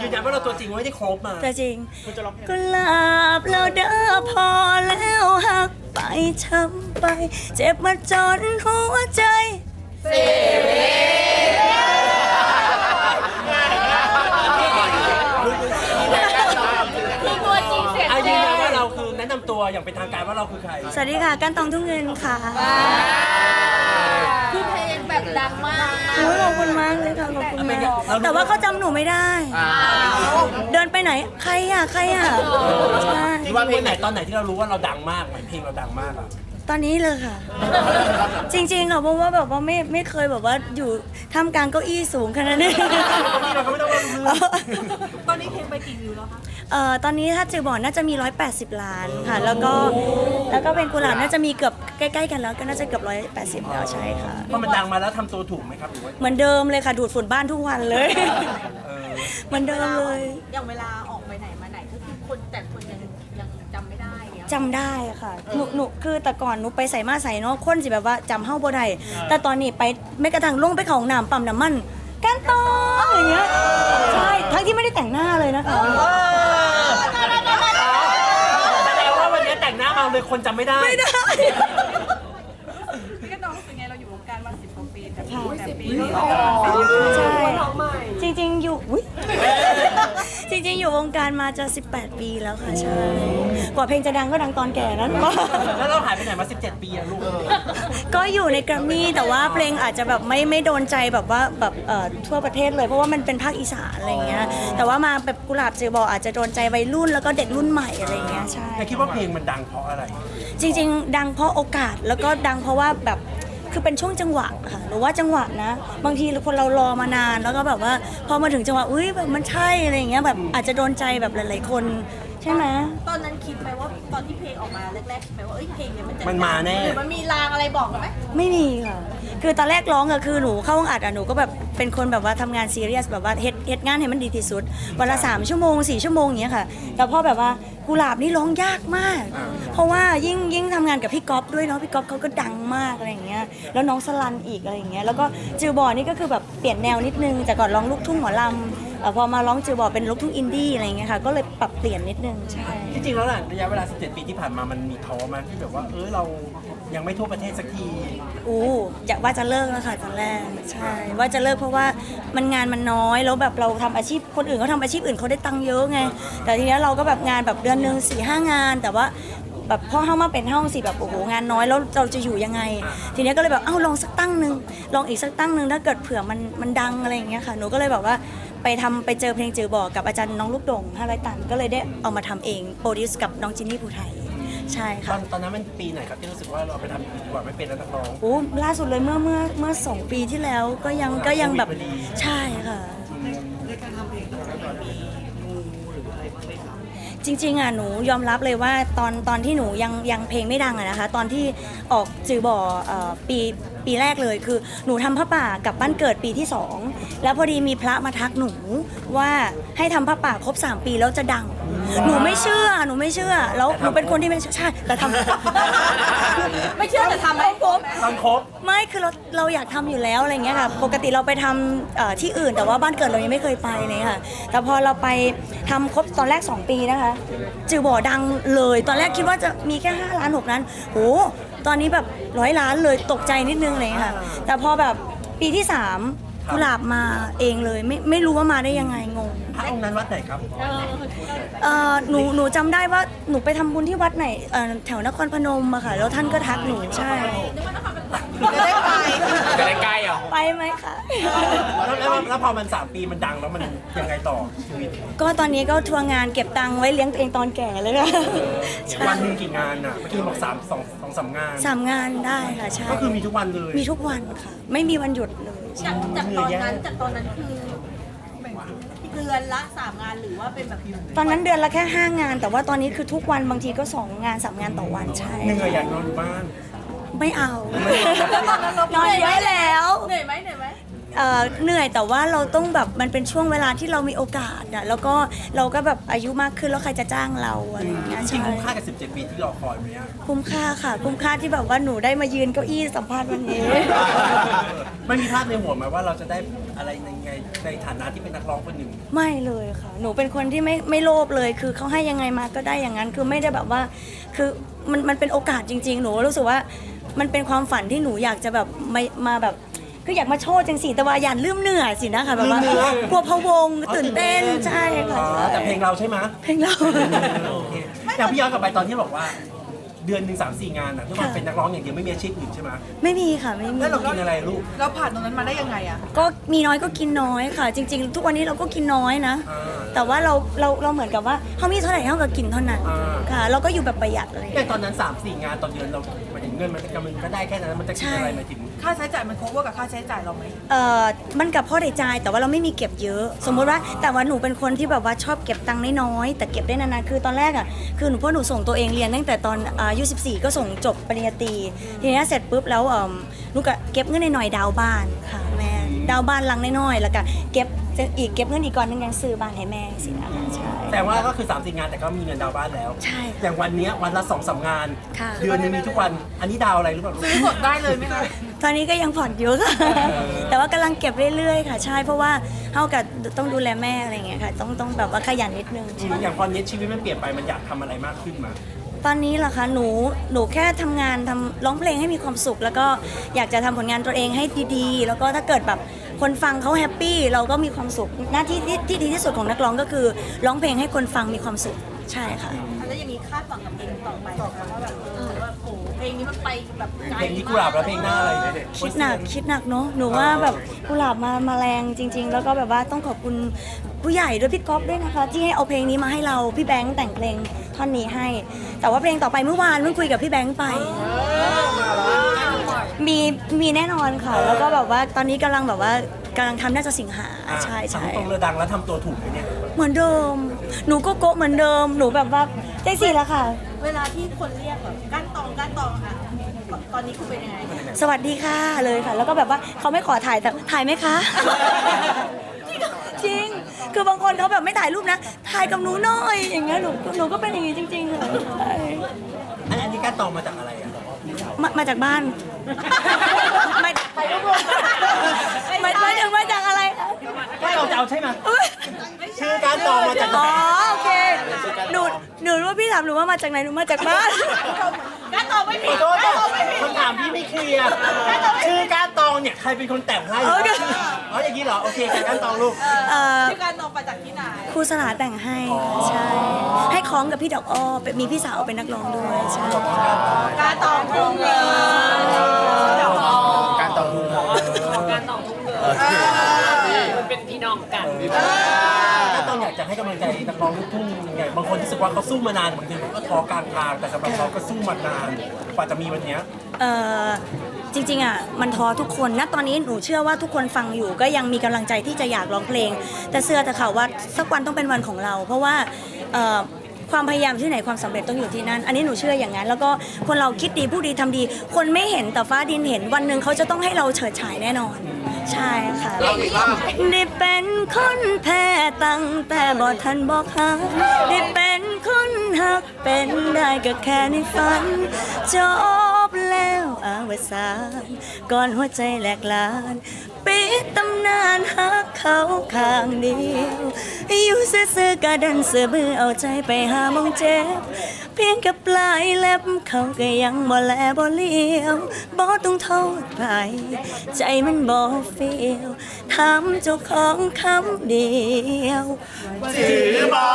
ยืนยันว่าเราตัวจริงไม่ได้โคบมาตัวจริงกุหลาบเราเด้อพอแล้วหักไปช้ำไปเจ็บมาจนหัวใจตัวจริงเสียงยืนยันว่าเราคือแนะนำตัวอย่างเป็นทางการว่าเราคือใครสวัสดีค่ะก้านตองทุ่งเงินค่ะคือเพลงแบบดังมากขอบคุณมากเลยค่ะขอบคุณมากแต่ว่าเขาจำหนูไม่ได้เดินไปไหนใครอ่ะใช่ว่าเพลงไหนตอนไหนที่เรารู้ว่าเราดังมากไหมเพลงเราดังมากอ่ะตอนนี้เลยค่ะจริงๆค่ะเพราะว่าแบบว่าไม่เคยแบบว่าอยู่ท่ามกลางเก้าอี้สูงขนาดนี้ตอนนี้เพลงไปกี่วิวแล้วคะตอนนี้ถ้าจือบอกน่าจะมี180 ล้านค่ะแล้วก็เป็นกุหลาบน่าจะมีเกือบใกล้ๆกันแล้วก็น่าจะเกือบ180แล้วใช่ค่ะพอมันดังมาแล้วทำตัวถูกไหมครับหรือว่าเหมือนเดิมเลยค่ะดูดฝุ่นบ้านทุกวันเลยเหมือนเดิมเลยอย่างเวลาออกไปไหนมาไหนก็คือคนแต่คนยังจำไม่ได้เนี่ยจำได้ค่ะหนูคือแต่ก่อนหนูไปใส่มาใส่เนาะคนสิแบบว่าจำเฮ้าบ่ได้แต่ตอนนี้ไปไม่กระทั่งลงไปเขาห้องน้ำปั๊มน้ำมันกันตองอย่างเงี้ยใช่ทั้งที่ไม่ได้แต่งหน้าเลยนะคะแสดงว่าวันนี้แต่งหน้ามาเลยคนจำไม่ได้พี่ก็น้องเป็นไงเราอยู่วงการมา10 กว่าปีแต่ปีใช่จริงๆอยู่จริงๆอยู่วงการมาจะ18 ปีแล้วค่ะใช่กว่าเพลงจะดังก็ดังตอนแก่นั้นแล้วเราหายไปไหนมา17 ปีอะลูกก็อยู่ในแกรมมี่แต่ว่าเพลงอาจจะแบบไม่โดนใจแบบว่าแบบทั่วประเทศเลยเพราะว่ามันเป็นภาคอีสานอะไรเงี้ยแต่ว่ามาแบบกุหลาบจือบอกอาจจะโดนใจวัยรุ่นแล้วก็เด็กรุ่นใหม่อะไรเงี้ยใช่คิดว่าเพลงมันดังเพราะอะไรจริงๆดังเพราะโอกาสแล้วก็ดังเพราะว่าแบบคือเป็นช่วงจังหวะค่ะหรือว่าจังหวะนะบางทีคนเรารอมานานแล้วก็แบบว่าพอมาถึงจังหวะอุ้ยแบบมันใช่อะไรอย่างเงี้ยแบบอาจจะโดนใจแบบหลายๆคนใช่ไหมตอนนั้นคิดไหมว่าตอนที่เพลงออกมาแรกๆคิดไหมว่าเพลงเนี่ยมันมาแน่หรือมันมีลางอะไรบอกไหมไม่มีค่ะคือตอนแรกร้องอะคือหนูเข้าห้องอัดอะหนูก็แบบเป็นคนแบบว่าทำงานซีเรียสแบบว่าเฮ็ดงานให้มันดีที่สุดวันละ3 ชั่วโมง4 ชั่วโมงอย่างเงี้ยค่ะแต่พอแบบว่ากุหลาบนี่ร้องยากมากเพราะว่ายิ่งทำงานกับพี่ก๊อฟด้วยเนาะพี่ก๊อฟเขาก็ดังมากอะไรอย่างเงี้ยแล้วน้องสลันอีกอะไรอย่างเงี้ยแล้วก็จือบอนี่ก็คือแบบเปลี่ยนแนวนิดนึงแต่ก่อนร้องลูกทุ่งหมอลำพอมาร้องจือบอเป็นลูกทุ่งอินดี้อะไรอย่างเงี้ยค่ะก็เลยปรับเปลี่ยนนิดนึงใช่ที่จริงแล้วระยะเวลา17 ปีที่ผ่านมามันมีท้อมาที่แบบว่าเรายังไม่ทั่วประเทศสักทีอยากว่าจะเลิกแล้วค่ะตอนแรกใช่ว่าจะเลิกเพราะว่ามันงานมันน้อยแล้วแบบเราทำอาชีพคนอื่นเขาทำอาชีพอื่นเขาได้ตังค์เยอะไงแต่ทีนี้เราก็แบบงานแบบเดือนนึง4-5 งานแต่ว่าแบบพอเข้ามาเป็นห้องสิแบบโอ้โหงานน้อยแล้วเราจะอยู่ยังไงทีนี้ก็เลยแบบลองสักตั้งนึงลองอีกสักตั้งนึงถ้าเกิดเผื่อมันดังอะไรอย่างเงี้ยค่ะหนูก็เลยแบบว่าไปเจอเพลงจือบอกกับอาจารย์น้องลูกดง500 ตันก็เลยได้เอามาทำเองโปรดิวส์กับน้องจินนี่ภูไทยใช่ค่ะตอนนั้นมันปีไหนครับที่รู้สึกว่าเราไปทำดีกว่าไม่เป็นนักร้องล่าสุดเลยเมื่อ2 ปีที่แล้วก็ยังแบบใช่ค่ะในการทำเพลงตอนนี้หรืออะไรบ้างไหมคะจริงๆหนูยอมรับเลยว่าตอนที่หนูยังเพลงไม่ดังนะคะตอนที่ออกจือบ่อปีแรกเลยคือหนูทำผ้าป่ากับบ้านเกิดปีที่2แล้วพอดีมีพระมาทักหนูว่าให้ทำผ้าป่าครบ3 ปีแล้วจะดังหนูไม่เชื่อแล้วหนูเป็นคนที่ไม่ใช่แต่ทำไม่เชื่อแต่ทำไม่ครบไม่คือเราอยากทำอยู่แล้วอะไรเงี้ยค่ะปกติเราไปทำที่อื่นแต่ว่าบ้านเกิดเรายังไม่เคยไปเลยค่ะแต่พอเราไปทำครบตอนแรก2 ปีนะคะจือบ่อดังเลยตอนแรกคิดว่าจะมีแค่5 ล้าน6 ล้านโหตอนนี้แบบ100 ล้านเลยตกใจนิดนึงเลยค่ะแต่พอแบบปีที่3กุหลาบมาเองเลยไม่รู้ว่ามาได้ยังไงงงพระองค์นั้นวัดไหนครับหนูจำได้ว่าหนูไปทำบุญที่วัดไหนแถวนครพนมอะค่ะแล้วท่านก็ทักหนูใช่จะได้ไปจะได้ใกล้อ่ะไปไหมคะแล้วพอมัน3 ปีมันดังแล้วมันยังไงต่อชีวิตก็ตอนนี้ก็ทัวร์งานเก็บตังค์ไว้เลี้ยงตัวเองตอนแก่เลยค่ะวันนึงกี่งานอ่ะเมื่อกี้บอก3 งาน 3 งานได้ค่ะใช่ก็คือมีทุกวันเลยมีทุกวันค่ะไม่มีวันหยุดเลยจากตอนนั้นคือเดือนละ3 งานหรือว่าเป็นแบบตอนนั้นเดือนละแค่5 งานแต่ว่าตอนนี้คือทุกวันบางทีก็2 งาน3 งานต่อวันใช่เหนื่อยอยากนอนอยู่บ้านไม่เอานอนเยอะแล้วเหนื่อยไหมเหนื่อยแต่ว่าเราต้องแบบมันเป็นช่วงเวลาที่เรามีโอกาสอะแล้วก็เราก็แบบอายุมากขึ้นแล้วใครจะจ้างเราอะไรอย่างเงี้ยจริใช่งๆคุ้มค่ากับ17 ปีที่รอคอยไหมอะคุ้มค่าค่ะคุ้มค่าที่แบบว่าหนูได้มายืนเก้าอี้สัมภาษณ์วันนี้ไม่มีภาพในหัวไหมว่าเราจะได้อะไรในฐานะที่เป็นนักร้องคนหนึ่งไม่เลยค่ะ หนูเป็นคนที่ไม่โลภเลย คือเขาให้ยังไงมาก็ได้อย่างนั้น คือไม่ได้แบบว่า คือมันเป็นโอกาสจริง ๆ หนูรู้สึกว่ามันเป็นความฝันที่หนูอยากจะแบบมาแบบ คืออยากมาโชว์จังสิแต่ว่าอย่าลืมเหนื่อยสินะคะแบบว่าลืมเหนื่อยกลัวพะวงตื่นเต้นใช่ค่ะอ๋อใช่แต่เพลงเราใช่ไหมเพลงเราโอเคอย่างพี่ย้อนกลับไปตอนที่บอกว่า เดือนหนึ่ง3-4 งานอะทุกคนเป็นนักร้องอย่างเดียวไม่มีอาชีพอื่นใช่ไหมไม่มีค่ะไม่มีแล้วเรากินอะไรลูกเราผ่านตรงนั้นมาได้ยังไงอะก็มีน้อยก็กินน้อยค่ะ จริง ๆ ทุกวันนี้เราก็กินน้อยนะอ่าแต่ว่าเราเหมือนกับว่าเขามีเท่าไหร่เท่ากับกินเท่านั้นอ่าค่ะ เราก็อยู่แบบประหยัดอะไรอย่างแต่เงี้ยตอนนั้น 3-4 งานต่อเดือนเราหมายถึงเงินมันก็ได้แค่นั้นมันจะกินอะไรหมายถึงค่าใช้จ่ายมัน cover กับค่าใช้จ่ายเราไหมมันกับพ่อได้จ่ายแต่ว่าเราไม่มีเก็บเยอะ สมมุติว่าแต่ว่าหนูเป็นคนที่แบบว่าชอบเก็บตังค์น้อยๆแต่เก็บได้นานๆคือตอนแรกอ่ะคือหนูพ่อหนูส่งตัวเองเรียนตั้งแต่ตอนอายุ14ก็ส่งจบปริญญาตรีทีนี้เสร็จปุ๊บแล้วหนูก็เก็บเงินหน่อยๆดาวน์บ้านค่ะแม่ดาวน์บ้านหลังน้อยๆแล้วก็เก็บเงินอีกก่อนนึงยังซื้อบ้านให้แม่สินะคะใช่แต่ว่าก็คือ3-4 งานแต่ก็มีเงินดาวน์บ้านแล้วใช่อย่างวันเนี้ยวันละ2-3 งานค่ะเดือนหนึงมีทุกวัน อันนี้ดาวอะไรหรือเปล่าลูกซื้อสดได้เลยไหมคะตอนนี้ก็ยังผ่อนอยู่ค่ะ แต่ว่ากำลังเก็บเรื่อยๆค่ะใช่เพราะว่าเท่ากับต้องดูแลแม่อะไรอย่างเงี้ยค่ะต้องแบบว่าขยันนิดนึงอย่างตอนนี้ชีวิตมันเปลี่ยนไปมันอยากทำอะไรมากขึ้นมาตอนนี้ล่ะคะหนูแค่ทำงานร้องเพลงให้มีความสุข แล้วก็อยากจะทำผลงานตัวเองให้ดีๆ แล้วก็ถ้าเกิดแบบคนฟังเขาแฮปปี้เราก็มีความสุขหน้าที่ที่ดีที่สุดของนักร้องก็คือร้องเพลงให้คนฟังมีความสุขใช่ค่ะแล้วอย่างนี้คาดหวังกับเพลงต่อไปนะคะว่าแบบว่าโอ้โหเพลงนี้มันไปแบบไกลเพลงที่กุหลาบแล้วเพลงหน้าอะไรคิดหนักเนาะหนูว่าแบบกุหลาบมาแรงจริง ๆ แล้วก็แบบว่าต้องขอบคุณผู้ใหญ่ด้วยพี่ก๊อฟด้วยนะคะ ที่ให้เอาเพลงนี้มาให้เราพี่แบงค์แต่งเพลงท่อนนี้ให้ แต่ว่าเพลงต่อไปเมื่อวานเพิ่งคุยกับพี่แบงค์ไป มีแน่นอนค่ะ แล้วก็แบบว่าตอนนี้กำลังทำน่าจะสิงหาใช่ทำตรงเรือดังแล้วทำตัวถูกไหมเนี่ยเหมือนเดิม หนูก็โกะเหมือนเดิมหนูแบบว่าใจสิแล้วค่ะเวลาที่คนเรียกแบบก้านตองค่ะตอนนี้คุณเป็นยังไงสวัสดีค่ะเลยค่ะ แล้วก็แบบว่าเขาไม่ขอถ่ายแต่ถ่ายไหมคะ จริง คือบางคนเขาแบบไม่ถ่ายรูปนะ ถ่ายกับหนูหน่อย อย่างเงี้ยหนูก็เป็นอย่างงี้จริงๆค่ะใช่อันนี้การตองมาจากอะไรอ่ะมาจากบ้านไม่ถึงมาจากอะไรคะไม่เราจะเอาใช่ไหมชื่อการตองมาจากไหนอ๋อโอเคหนูรู้ว่าพี่ถามหนูว่ามาจากไหนหนูมาจากบ้านก้านตองไม่ขผิอดโทษนะคำถามพี่ไม่เคลียร์ชื่อการตองเนี่ยใครเป็นคนแต่งให้อ๋ออย่างนี้เหรอโอเคการตองลูกชื่อก้านตองมาจากที่ไหนครูสลาแต่งให้ใช่ให้คล้องกับพี่ดอกอ้อมีพี่สาวเป็นนักร้องด้วยใช่ก้านตองทุ่งเงินการต่อทุนการต่อทุกเดือนมันเป็นพี่น้องกันการตองอยากจะให้กำลังใจนักร้องลูกทุ่งยังไงบางคนรู้สึกว่าเขาสู้มานานบางทีก็ท้อกลางทางแต่สำหรับเขาก็สู้มานานกว่าจะมีวันเนี้ยจริงๆอ่ะมันท้อทุกคนนะตอนนี้หนูเชื่อว่าทุกคนฟังอยู่ก็ยังมีกำลังใจที่จะอยากร้องเพลง แต่เชื่อแต่ค่ะว่าสักวันต้องเป็นวันของเรา เพราะว่าความพยายามที่ไหนความสำเร็จต้องอยู่ที่นั่น อันนี้หนูเชื่ออย่างนั้น แล้วก็คนเราคิดดีพูดดีทำดี คนไม่เห็นแต่ฟ้าดินเห็นวันหนึ่งเขาจะต้องให้เราเฉิดฉายแน่นอน ใช่ค่ะได้เป็นคนแพ้ตั้งแต่บ่ทันบอกหักได้เป็นคนหักเป็นได้ก็แค่ในฝันจบแล้วอวสานก่อนหัวใจแหลกลานปิดตำนานหักเขาข้างเดียวอยู่ซื่อๆกะดันเสือบื้อเอาใจไปหามองเจ็บเพียงกับปลายเล็บเขาก็ยังบ่แลบ่เลี้ยวบ่ต้องโทษใครใจมันบ่เฟียวถามเจ้าของคำเดียวถือบ่